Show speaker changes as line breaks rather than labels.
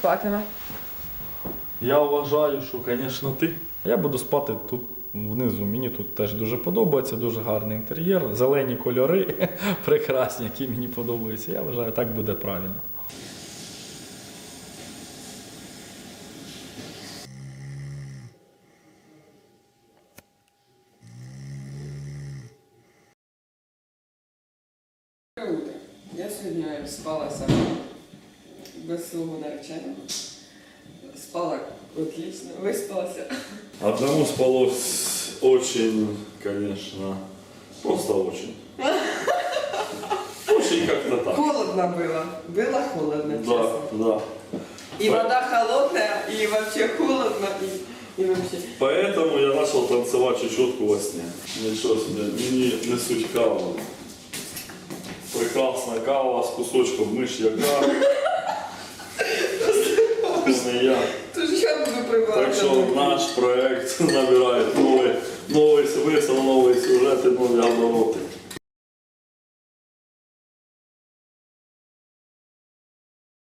спатиме?
Я вважаю, що, звісно, ти. Я буду спати тут внизу. Мені тут теж дуже подобається, дуже гарний інтер'єр, зелені кольори, прекрасні, які мені подобаються. Я вважаю, так буде правильно.
Я сьогодні спала сама, без свого нареченого. Спала отлично, виспалася.
Одному спалось очень, конечно, просто очень. Очень как-то так.
Холодно было. Было холодно,
Да,
честно.
да.
И вода холодная, и вообще холодно, и вообще.
Поэтому я начал танцевать чечетку во сне. Ничего себе, мені несуть каву. Прекрасна кава з кусочком миш'яка. Не я.
Тож я буду прибирати.
Так що наш проект набирає новий смисл, нові сюжети, нові обороти.